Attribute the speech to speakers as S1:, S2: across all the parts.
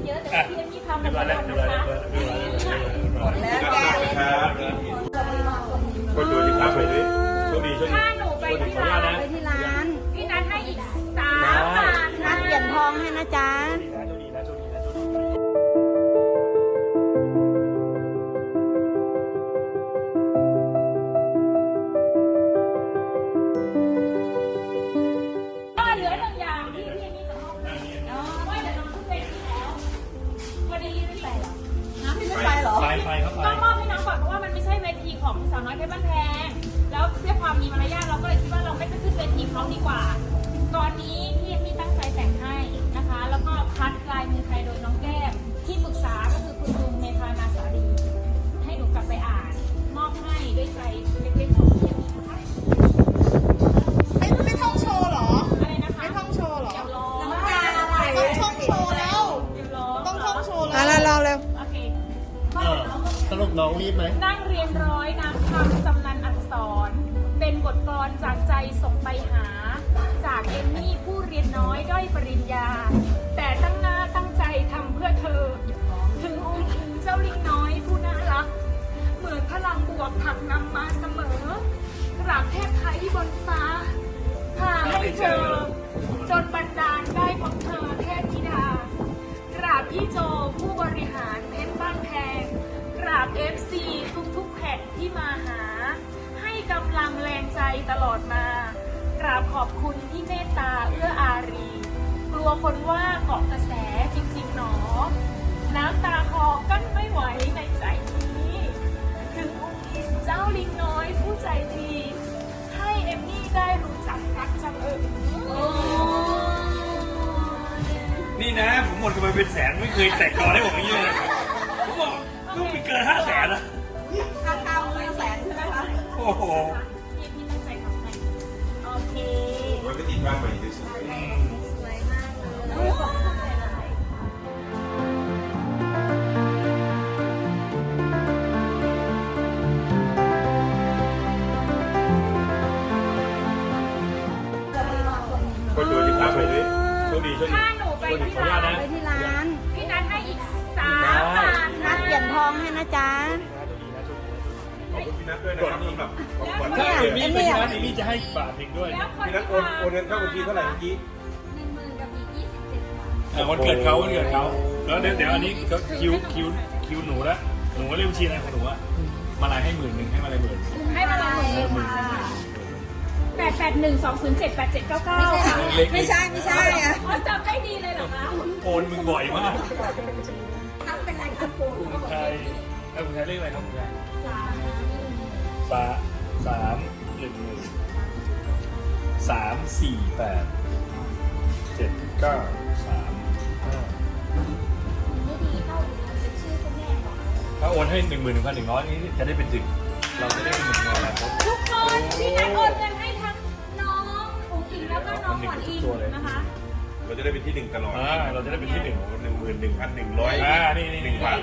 S1: เยอะแต่พี่เอ็มมี่ทำหมดแล้วนะคะหมดแล้ว
S2: ครับคนดูที่พักไปด้วยโชคดีโชคดี
S1: ถ้าหนูไปที่ร้านพี่นัทให้อีก3 บาทนัดเปลี่ยนทองให้นะจ๊ะเหลือ1 อย่างที่พี่เอ็มมี่จะมอบให้ว่าเดี๋ยวน้องขึ้นเวทีแล้ววันนี้ไม่ไปหรอพี่ไม่ไปหรอ
S3: ไปครับไป
S1: ต้องมอบให้น้องก่อนเพราะว่ามันไม่ใช่เวทีของสาวน้อยเพชรบ้านแพงแล้วเพื่อความมีมารยาทเราก็เลยคิดว่าเราไม่ไปขึ้นเวทีเขาดีกว่าก่อนนี้พี่เอ็มมี่ตั้งใจแต่งให้นะคะแล้วก็คัดลายมือไทยโดยน้องแก้มที่ปรึกษาก็คือคุณลุงเมธานาสารีให้หนูกลับไปอ่านมอบให้ด้วยใจเล็กๆของพี่เอ็มมี่นะคะ
S4: ไม่ท่องโชว์เหรอ
S1: อะไรนะคะ
S4: ไม่ท่องโชว์เหรอ
S1: เดี๋ยวรอ
S4: ต้องท่องโชว์แล้ว
S1: เดี๋ยวรอ
S4: ต้องท่องโชว์แล้ว
S5: เราเร็ว
S1: โอเค
S3: สรุปน้องรีบไหม
S1: นั่งเรียนร้อยน้ำคำจำนันอักษร เป็นบทกลอนจากใจส่งไปหา จากเอมมี่ผู้เรียนน้อยด้อยปริญญา แต่ตั้งหน้าตั้งใจทำเพื่อเธอ ถึงองค์ถึงเจ้าลิงน้อยผู้น่ารัก เหมือนพลังบวกผลักนำมาเสมอกราบเทพไทยบนฟ้า พาให้เจอ จนบันดาลได้พบเธอเทพธิดากราบพี่โจผู้บริหารเพชรบ้านแพงกราบ FC ทุกๆแผ่นที่มาหา ให้กำลังแรงใจตลอดมา กราบขอบคุณที่เมตตาเอื้ออารี กลัวคนว่าเกาะกระแสจริงๆหนอ น้ำตาคลอกั้นไม่ไหวในใจนี้ ถึงองค์อินเจ้าลิงน้อยผู้ใจดี ให้เอมมี่ได้รู้จักรักจัง
S3: นี่นะผมหมดกันไปเป็นแสนไม่เคยแตกกอได้ผมอย่างนี้เลยผมบอกต้องมีเกิน500,000นะ
S4: ค่าข้าวมื้อละ100,000ใช่ไหมคะ
S3: โอ้โห
S1: พี่พี่ตั้งใจทำให้โอเค
S2: มันก็ติดบ้างไปที่สุด
S1: สวยมากเลยขอบคุณหลายๆ
S2: คนดูที่พักไปด้วยโชคดีโชคดี
S1: ถ้าหนูไปที่ร้านพี่นัทให้อีก3 บาท
S5: นัดเปลี่ยนทองให้นะจ๊ะ
S2: ขอบคุณพี่นัทด้วยนะครับสำหรับของขวัญ
S3: ถ้า
S2: ที่
S3: เอมี่ไปนะเอมี่จะให้บาทหนึ่งด้วย
S1: แล้วคน
S2: พี่นัทโอนเงินเข้าบัญชีเท่าไหร่เมื่อกี้
S1: 10,000กับอีก27 บาท
S3: วันเกิดเขาแล้วเดี๋ยวอันนี้ก็คิวหนูละหนูก็เรียกบัญชีอะไรของหนูอะมาลายให้10,000ให้มาลาย10,000
S1: ให้มาเลยค่ะ881207879ค่ะ
S4: ไม่ใช่อะ
S1: อ๋อจำได้ดีเลยเหรอคะ
S3: โอนมึงบ่อยมาก
S1: ทำเป็นไรครับปู
S3: คุณไทยคุณไทยเรียกอะไรครับคุณไทย
S1: ไม่ดีเท่าเป็นชื่อคุณแม่ก่อน
S3: ถ้าโอนให้11,100นี้จะได้เป็นถึงเราจะได้เป็น1,000,000แล้ว
S1: ทุกคนพี่นัทโอนเงินให้ทั้งน้องอุ๋งอิงแล้วก็น้องขวัญอิงนะคะ
S2: เราจะได้เป็นที่หนึ่งตลอด
S3: เราจะได้เป็นที่1
S2: 11,100
S3: นี่
S2: 1 บาท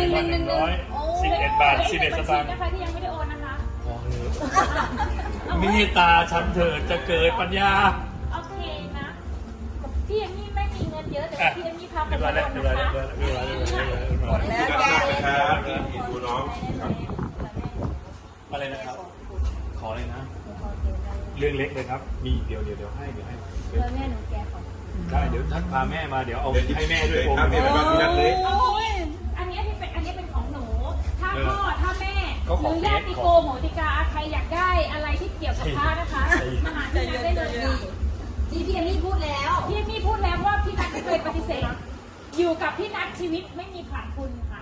S3: 11,100 11 บาท 11 สตางค์
S1: นะคะที่ยังไม่ได้โอนนะคะ
S3: พอเลยมีตาฉันเถิดจะเกิดปัญญา
S1: โอเคนะพี่เอมมี่ไม่มีเงินเยอะแต่พี่เอมมี่พับ
S3: เรียบร้อยแล้วเรียบร้อยแล้วเรียบร้อยแล้ว
S4: หมดแล้ว
S2: พี่นัทนะครับดูน้องครับ
S3: อะไรนะครับ ขอเลยนะ เรื่องเล็กเลยครับ มีเดี๋ยวให้
S1: แม่หนูแกขอ
S3: ได้เดี๋ยวท่านพาแม่มาเดี๋ยวเอา
S2: เดี๋ยว
S3: ให้แม่ด้วย
S2: ครับนี่เป็นบ้านพี่นัทเลย
S1: อันนี้เป็นของหนู ถ้าพ่อถ้าแม่ห
S3: ก็ขอ
S1: รือญาติโกโหติกาใครอยากได้อะไรที่เกี่ยวกับพระนะคะมาหาพี่นัทได้เลยนี่พี่เอมมี่พูดแล้วพี่เอมมี่พูดแล้วว่าพี่นัทไม่เคยปฏิเสธอยู่กับพี่นัทชีวิตไม่มีขาดคุณค่ะ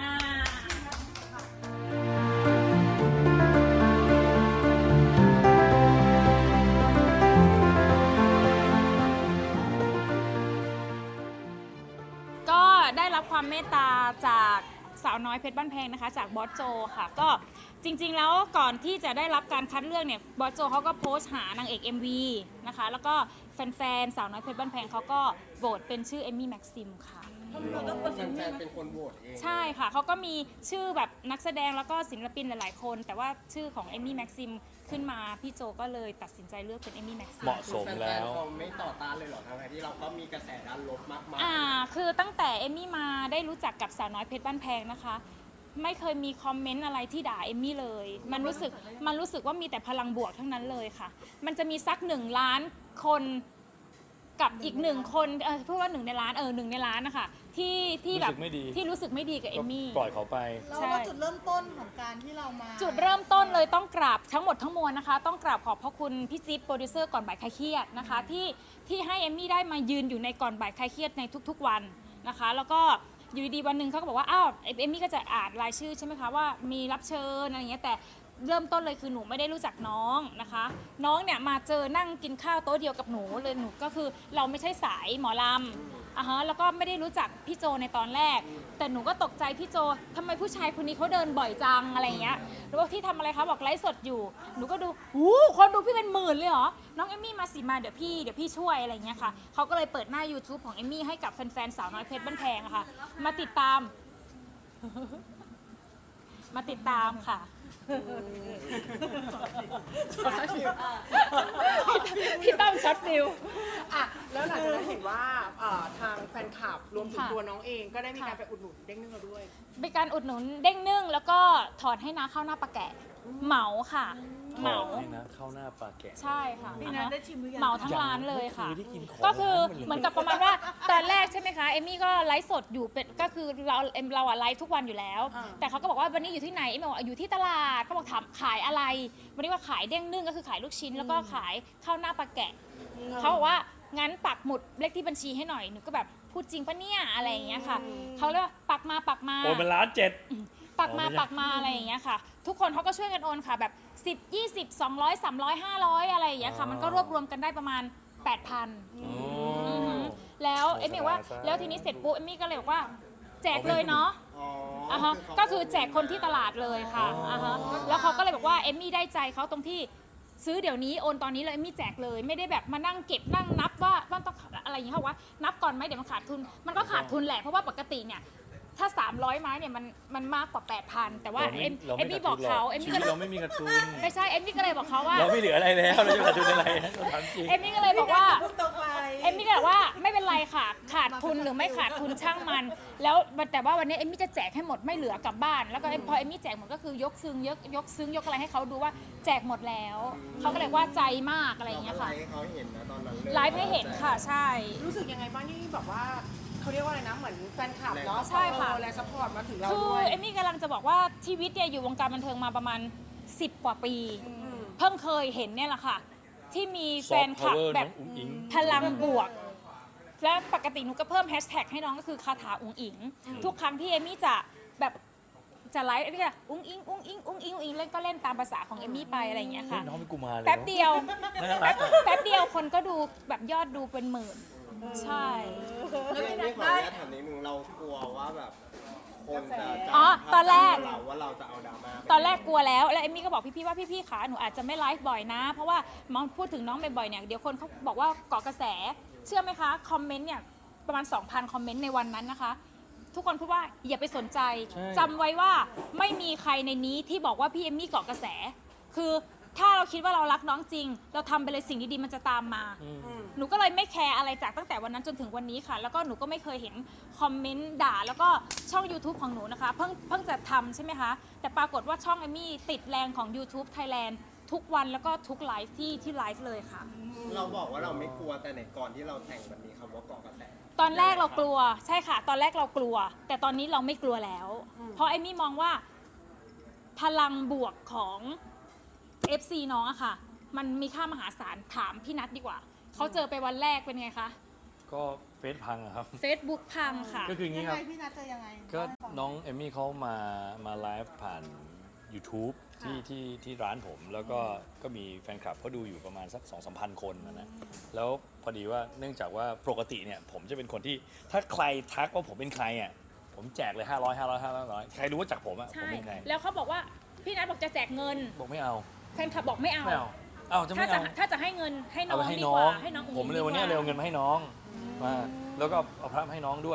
S1: ก็ได้รับความเมตตาจากสาวน้อยเพชรบ้านแพงนะคะจากบอสโจค่ะก็จริงๆแล้วก่อนที่จะได้รับการคัดเลือกเนี่ยบอสโจเขาก็โพสต์หานางเอก MV นะคะแล้วก็แฟนๆสาวน้อยเพชรบ้านแพงเขาก็โหวตเป็นชื่อเอมมี่แม็กซิมค่ะ
S5: แฟนๆเป็นคนโหวตเอง
S1: ใช่ค่ะเขาก็มีชื่อแบบนักแสดงแล้วก็ศิลปินหลายๆคน แต่ว่าชื่อของเอมมี่แม็กซิมขึ้นมาพี่โจก็เลยตัดสินใจเลือกเป็นเอมมี่แม็กซิม
S3: เหมาะสม
S5: แฟ
S3: แล้
S5: น
S3: ว
S5: ๆเขาไม่ต่อต้านเลยเหรอทั้งที่เราก็มีกระแสด้านลบมากมาย
S1: คือตั้งแต่เอมมี่มาได้รู้จักกับสาวน้อยเพชรบ้านแพงนะคะ ไม่เคยมีคอมเมนต์อะไรที่ด่าเอมมี่เลย มันรู้สึกว่ามีแต่พลังบวกทั้งนั้นเลยค่ะ มันจะมีสัก1 ล้านคนกับอีก1 คนพูดว่า1 ในล้าน1 ในล้านนะคะที่แบบ
S3: รู้สึกไม่ดี
S1: ที่รู้สึกไม่ดีกับเอมมี่
S3: ปล่อยเขาไป
S4: เราว่าจุดเริ่มต้นของการที่เรามา
S1: จุดเริ่มต้นเลยต้องกราบทั้งหมดทั้งมวลนะคะ ต้องกราบขอบพระคุณพี่จิ๊บโปรดิวเซอร์ก่อนบ่ายคลายเครียดนะคะที่ให้เอมมี่ได้มายืนอยู่ในก่อนบ่ายคลายเครียดในทุกๆวันนะคะ แล้วก็อยู่ดีๆวันหนึ่งเขาก็บอกว่าอ้าวเอมมี่ก็จะอ่านรายชื่อใช่ไหมคะว่ามีรับเชิญอะไรอย่างเงี้ยแต่เริ่มต้นเลยคือหนูไม่ได้รู้จักน้องนะคะ น้องเนี่ยมาเจอนั่งกินข้าวโต๊ะเดียวกับหนูเลยหนูก็คือเราไม่ใช่สายหมอลำแล้วก็ไม่ได้รู้จักพี่โจในตอนแรก แต่หนูก็ตกใจพี่โจทำไมผู้ชายคนนี้เขาเดินบ่อยจังอะไรอย่างเงี้ยหรือว่าที่ทำอะไรคะบอกไลฟ์สดอยู่หนูก็ดูคนดูพี่เป็นหมื่นเลยเหรอน้องเอมมี่มาสิมาเดี๋ยวพี่ช่วยอะไรอย่างเงี้ยค่ะเขาก็เลยเปิดหน้า YouTube ของเอมมี่ให้กับแฟนๆสาวน้อยเพชรบ้านแพงอะค่ะมาติดตาม ค่ะ พี่ต้อมช็อตฟิล
S6: อ่ะแล้วหลังจากนั้นเห็นว่าทางแฟนคลับรวมถึง
S1: ค่ะ
S6: ตัวน้องเองก็ได้มีการ
S1: ค่ะ
S6: ไปอุดหนุนเด้งนึ่งเราด้วย
S1: เป็นการอุดหนุนเด้งนึ่งแล้วก็ถอดให้น้าข้าวหน้าปลาแกะเหมาค่ะเหมา
S3: นี่นะเข้าหน้าปลาแกะ
S1: ใช่ค่ะ
S4: พี่นัทได้ชิมหรือยัง
S1: เหมาทั้งร้านเลยค่ะ
S3: ไม่เคยได้กินของ
S1: ก็คือ
S3: ร้านมันเลย
S1: เหมือนกับประมาณว่าตอนแรกใช่ไหมคะเอมมี่ก็ไลฟ์สดอยู่เป็นก็คือเราอะไลฟ์ทุกวันอยู่แล้ว แต่เขาก็บอกว่าวันนี้อยู่ที่ไหนเอมมี่บอกว่าอยู่ที่ตลาดเขาบอกถามขายอะไร วันนี้ว่าขายเด้งนึ่งก็คือขายลูกชิ้น แล้วก็ขายข้าวหน้าปลาแกะเขาบอกว่างั้นปักหมุดเลขที่บัญชีให้หน่อยหนูก็แบบพูดจริงปะเนี่ยอะไรอย่างเงี้ยค่ะเขาเลยว่าปักมา
S3: โอนเป็น1.7 ล้าน
S1: ปักมา
S3: อ๋อไม่ใช่
S1: ปักมาอะไรอย่างเงี้ยค่ะ ทุกคนเขาก็ช่วยกันโอนค่ะแบบ10 20 200 300 500อะไรอย่างเงี้ยค่ะมันก็รวบรวมกันได้ประมาณ 8,000 แล้วเอมมี่บอกว่าแล้วทีนี้เสร็จปุ๊บเอมมี่ก็เลยบอกว่าแจกเลยเนาะ
S5: อ๋อ
S1: ก็คือแจกคนที่ตลาดเลยค่ะแล้วเขาก็เลยบอกว่าเอมมี่ได้ใจเขาตรงที่ซื้อเดี๋ยวนี้โอนตอนนี้เลยเอมมี่แจกเลยไม่ได้แบบมานั่งเก็บนั่งนับว่าต้องอะไรอย่างเงี้ยค่ะว่านับก่อนไหมเดี๋ยวมันขาดทุนมันก็ขาดทุนแหละเพราะว่าปกติเนี่ยถ้า300 ไม้เนี่ยมันมากกว่า 8,000 แต่ว่าเอมมี่บอกเขาเอม
S3: ชี
S1: มี่
S3: วิ
S1: ก็
S3: ต
S1: เลย
S3: เราไม่มีกระทุน
S1: ไม่ใช่เอมมี่ก็เลยบอกเขาว่า
S3: เราไม่เหลืออะไรแล้วเราจะกระทุนอะไรเราทำจริง
S1: เอมมี่ก็เลยบอกว่า
S4: พูดตรงไป
S1: เอมมี่ก็เลยบอกว่าไม่เป็นไรค่ะ ขาดทุนหรือไม่ขาดทุนช่างมัน แล้วแต่ว่าวันนี้เอมมี่จะแจกให้หมดไม่เหลือกลับบ้าน แล้วก็พอเอมมี่แจกหมดก็คือยกซึ้งยกอะไรให้เขาดูว่าแจกหมดแล้วเขาก็เลยว่าใจมากอะไรอย่างเงี้ยค่ะ
S5: เราก็ไลฟ์ให้เขาเห็นนะตอนนั้นเลย
S1: ไลฟ์ให้เห็นค่ะใช่
S6: รู้สึกยังไงบ้างที่แบบว่าเขาเรียกว่าอะไรนะเหมือนแฟนคลับเนาะ
S1: ใช่ค่ะ
S6: และซัพพอร์ตมาถึงเรา
S1: คือ
S6: ด้วย
S1: เอมมี่กำลังจะบอกว่าชีวิตเนี่ยอยู่วงการบันเทิงมาประมาณ10 กว่าปี เพิ่งเคยเห็นเนี่ยแหละค่ะ ที่มีแฟนคลับแบบ
S3: Soft power น้องอุ๋งอิ๋ง
S1: พลังบวก และปกติหนูก็เพิ่มแฮชแท็กให้น้องก็คือคาถาอุ๋งอิง ทุกครั้งที่เอมมี่จะแบบจะไลฟ์เอมมี่จะอุ๋งอิงอุ๋งอิงอุ๋งอิงอุ๋งอิงเล่นก็เล่นตามภาษาของเอมมี่ไปอะไรอย่างเงี้ยค่ะ
S3: น้องเป็นกุมารเลย
S1: แป๊บเดียว
S3: น่ารักอะ
S1: แป๊บเดียวคนก็ดูแบบยอดดูเป็นหมื่น ใช่
S5: ไม่ขออนุญาตถามนิดนึงเรากลัวว่าแบบคนจะจำ
S1: อ๋อตอนแรก
S5: เราว่าเราจะเอาดราม่า
S1: ตอนแรกกลัวแล้วเอมมี่ก็บอกพี่ๆว่าพี่ๆขาหนูอาจจะไม่ไลฟ์บ่อยนะ เพราะว่ามองพูดถึงน้องบ่อยๆเนี่ยเดี๋ยวคนเขาบอกว่าเกาะกระแส เชื่อไหมคะคอมเมนต์เนี่ยประมาณ 2,000 คอมเมนต์ในวันนั้นนะคะ ทุกคนพูดว่าอย่าไปสนใจ
S3: ใช่
S1: จำไว้ว่าไม่มีใครในนี้ที่บอกว่าพี่เอมมี่เกาะกระแส คือถ้าเราคิดว่าเรารักน้องจริง เราทำไปเลยสิ่งดีๆมันจะตามมา หนูก็เลยไม่แคร์อะไรจากตั้งแต่วันนั้นจนถึงวันนี้ค่ะ แล้วก็หนูก็ไม่เคยเห็นคอมเมนต์ด่า แล้วก็ช่อง YouTube ของหนูนะคะ เพิ่งจะทำใช่ไหมคะ แต่ปรากฏว่าช่องเอมมี่ติดแรงของ YouTube Thailand ทุกวันแล้วก็ทุกไลฟ์ที่ไลฟ์เลยค่ะ
S5: เราบอกว่าเราไม่กลัวแต่ในก่อนที่เราแต่งมันมีคำว่าเกาะกระแส
S1: ตอนแรกเรากลัวใช่ค่ะ ตอนแรกเรากลัว แต่ตอนนี้เราไม่กลัวแล้ว เพราะเอมมี่มองว่าพลังบวกของ FC น้องอะค่ะ มันมีค่ามหาศาลถามพี่นัทดีกว่า เขาเจอไปวันแรกเป็นไงคะ
S3: ก็เฟซพังอะครับ
S1: Facebook พังค่ะ
S3: ก็คืออย่าง
S4: ยั
S3: นี้
S4: ง
S3: ค
S4: ไง
S3: รับ
S4: พี่นัทจะยังไง
S3: ก็น้องเอมมี่เขามาไลฟ์ผ่าน YouTube ที่ร้านผม แล้วก็มีแฟนคลับเขาดูอยู่ประมาณสัก 2-3 พันคนนะแล้วพอดีว่าเนื่องจากว่าปกติเนี่ยผมจะเป็นคนที่ถ้าใครทักว่าผมเป็นใครอ่ะผมแจกเลย500ใครรู้ว่าจากผมอ่ะผม
S1: ใช่
S3: เป็นใคร
S1: แล้วเขาบอกว่าพี่นัทบอกจะแจกเงิน
S3: บอกไม่เอา
S1: แฟนคลับบอกไม่เอา
S3: ไม่เอาเอาจะไม่เอา
S1: ถ้าจะให้เงินให้น้
S3: เอา
S1: อง
S3: ไปให้
S1: ดี
S3: น้
S1: ก
S3: อง
S1: ว่าให้น้องอุ๋ง
S3: ผมเลยวันนี้
S1: ดีกา
S3: เลยเอาเงินมาให้น้องมาแล้วก็เอาพระมาให้น้องด้วย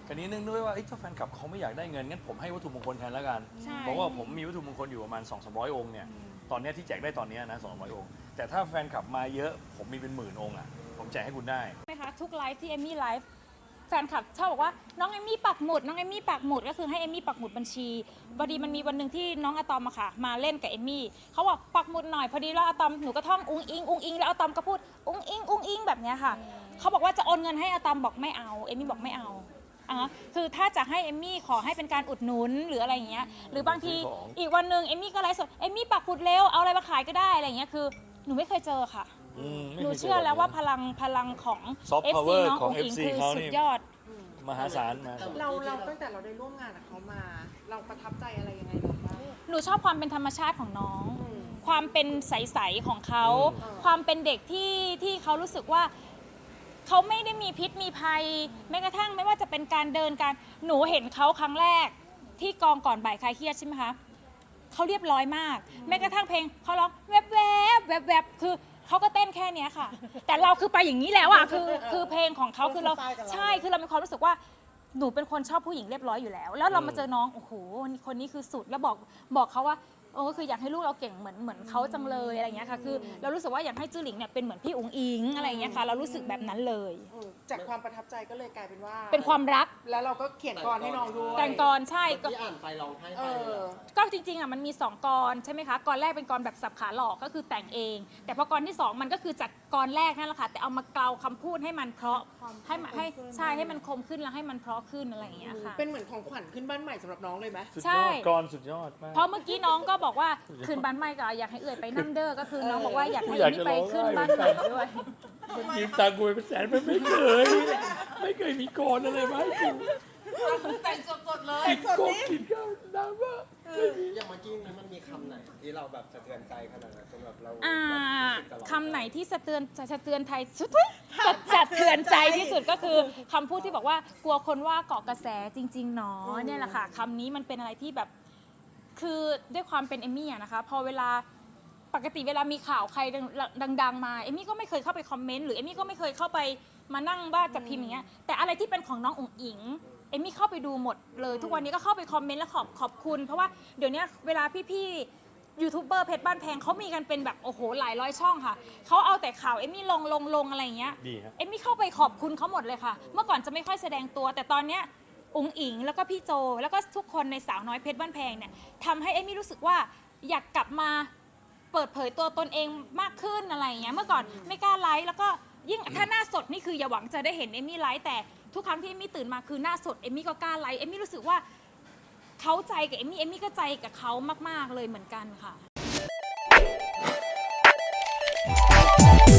S3: คราวนี้เนื่องด้วยว่าถ้าแฟนคลับเขาไม่อยากได้เงินงั้นผมให้วัตถุมงคลแทนแล้วกัน
S1: ใช่
S3: เพราะว่าผมมีวัตถุมงคลอยู่ประมาณ 200-300 องค์เนี่ยตอนเนี้ยที่แจกได้ตอนเนี้ยนะ200 องค์แต่ถ้าแฟนคลับมาเยอะผมมีเป็นหมื่นองค์อ่ะผมแจกให้คุณได้
S1: ใช่ไหมคะทุกไลฟ์ที่เอมมี่ไลฟ์แฟนคลับชอบบอกว่าน้องเอมมี่ปักหมุดน้องเอมมี่ปักหมุดก็คือให้เอมมี่ปักหมุดบัญชีพอดีมันมีวันหนึ่งที่น้องอะตอมอะค่ะมาเล่นกับเอมมี่เขาบอกปักหมุดหน่อยพอดีแล้วอะตอมหนูก็ท่องอุ้งอิงอุ้งอิงแล้วอะตอมก็พูดอุ้งอิงอุ้งอิงแบบเนี้ยค่ะเขาบอกว่าจะโอนเงินให้อะตอมบอกไม่เอาเอมมี่บอกไม่เอาคือถ้าจะให้เอมมี่ขอให้เป็นการอุดหนุนหรืออะไรอย่างเงี้ยหรือบางที
S3: ซื้อของ
S1: อีกวันหนึ่งเอมมี่ก็ไลฟ์สดเอมมี่ปักหมุดเร็วเอาอะไรมาขายก็ได้อะไรอย่างเงี้ยคือหนูไม่เคยเจอค่ะ
S3: ไม่
S1: หนู
S3: คย
S1: เชื่อแล้วว่าพลังของ
S3: Soft
S1: FC
S3: power
S1: น้อง
S3: ของ
S1: อุ๋งอิง
S3: FC
S1: คือ
S3: เขา
S1: สุ
S3: นี่
S1: ดยอด
S3: มหาศาลมา
S6: เราตั้งแต่เราได้ร่วมงานกับเขามา เราประทับใจอะไรยังไงบ้าง
S1: หนูชอบความเป็นธรรมชาติของน้อง ความเป็นใสๆของเขา
S3: อืม
S1: ความเป็นเด็กที่เขารู้สึกว่าเขาไม่ได้มีพิษมีภัย แม้กระทั่งไม่ว่าจะเป็นการเดินการหนูเห็นเขาครั้งแรกที่กองก่อนบ่ายคลายเครียดใช่ไหมคะเขาเรียบร้อยมาก แม้กระทั่งเพลงเขาร้องแวบแวบแวบแวบคือเขาก็เต้นแค่เนี้ยค่ะ แต่เราคือไปอย่างนี้แล้วอ่ะคือเพลงของเขาคือเราใช่คือเรามีความรู้สึกว่าหนูเป็นคนชอบผู้หญิงเรียบร้อยอยู่แล้ว แล้วเรามาเจอน้องโอ้โหคนนี้คือสุดแล้วบอกเขาว่าคืออยากให้ลูกเราเก่งเหมือนเขาจังเลยอะไรอย่างเงี้ยค่ะคือเรารู้สึกว่าอยากให้จื้อหลิงเนี่ยเป็นเหมือนพี่อุ๋งอิงอะไรอย่างเงี้ยค่ะเรารู้สึกแบบนั้นเลย
S6: จากความประทับใจก็เลยกลายเป็นว่า
S1: เป็นความรัก
S6: แล้วเราก็เขียนกรให้น้องด้วย
S1: แต่งกรใช่ก็
S5: ที่อ่านไปร้องไห้
S6: เอ
S5: ไปเลย
S6: อ
S5: เหรอ
S1: ก็จริงๆอ่ะมันมี2กรใช่ไหมคะกรแรกเป็นกรแบบสับขาหลอกก็คือแต่งเอง แต่พอกรที่2มันก็คือจากกรแรกนั่นแหละค่ะแต่เอามาเกลาคำพูดให้มันเพราะให้ใช่ให้มันคมขึ้นแล้วให้มันเพราะขึ้นอะไรอย่างเงี้ยค่ะ
S6: เป็นเหมือนของขวัญขึ้นบ้านใหม่สำหรับน้องเลยไหม
S3: สุด
S1: ใช่
S3: ยอดกรสุดยอดมาก
S1: เพราะเมื่อกี้น้องก็บอกว่าคืนบ้านใหม่ก็อยากให้เอื่อยไปนั่งเด้อก็คือน้องบอกว่าอยากให้
S3: อยาก
S1: นี่
S3: จะ
S1: ไป
S3: ร้องไห้
S1: ขึ้นบ้านใหม่ด้วย
S3: ยืมตังค์กูไปเป็นแสนมันไม่เคยมีกรอะไรมาให้กู
S6: แต่งสดๆเลย
S3: กินกบกินข้าวน้ำว่า
S5: อย่างเมื่อกี้นี้มันมีคำไหนที่เราแบบสะเทือนใจขนาดนั้นจนแบบเรา
S1: คำไหนที่สะเทือนไทยสุดสะเทือนใจที่สุดก็คือคำพูดที่บอกว่ากลัวคนว่าเกาะกระแสจริงๆหนอเนี่ยแหละค่ะคำนี้มันเป็นอะไรที่แบบคือด้วยความเป็นเอมมี่อะนะคะพอเวลาปกติเวลามีข่าวใครดังๆมาเอมมี่ก็ไม่เคยเข้าไปคอมเมนต์หรือเอมมี่ก็ไม่เคยเข้าไปมานั่งว่าจะพิมพ์อย่างเงี้ยแต่อะไรที่เป็นของน้องอุ๋งอิงเอมมี่เข้าไปดูหมดเลยทุกวันนี้ก็เข้าไปคอมเมนต์และขอบคุณเพราะว่าเดี๋ยวนี้เวลาพี่ๆยูทูบเบอร์เพชรบ้านแพงเขามีกันเป็นแบบโอ้โหหลายร้อยช่องค่ะเขาเอาแต่ข่าวเอมมี่ลงอะไรอย่างเงี้ย
S3: ดีครับ
S1: เอมมี่เข้าไปขอบคุณเขาหมดเลยค่ะ เมื่อก่อนจะไม่ค่อยแสดงตัว แต่ตอนเนี้ยอุ๋งอิงแล้วก็พี่โจ แล้วก็ทุกคนในสาวน้อยเพชรบ้านแพงเนี่ยทำให้เอมมี่รู้สึกว่าอยากกลับมาเปิดเผยตัวตนเองมากขึ้นอะไรอย่างเงี้ยเมื่อก่อนไม่กล้าไลฟ์แล้วก็ยิ่งถ้าหน้าสดนี่คืออย่าหวังจะได้เห็นเอมมี่ไลฟ์แต่ทุกครั้งที่เอมมี่ตื่นมาคือหน้าสดเอมมี่ก็กล้าไลฟ์เอมมี่รู้สึกว่าเขาใจกับเอมมี่ก็ใจกับเขามากๆเลยเหมือนกันค่ะ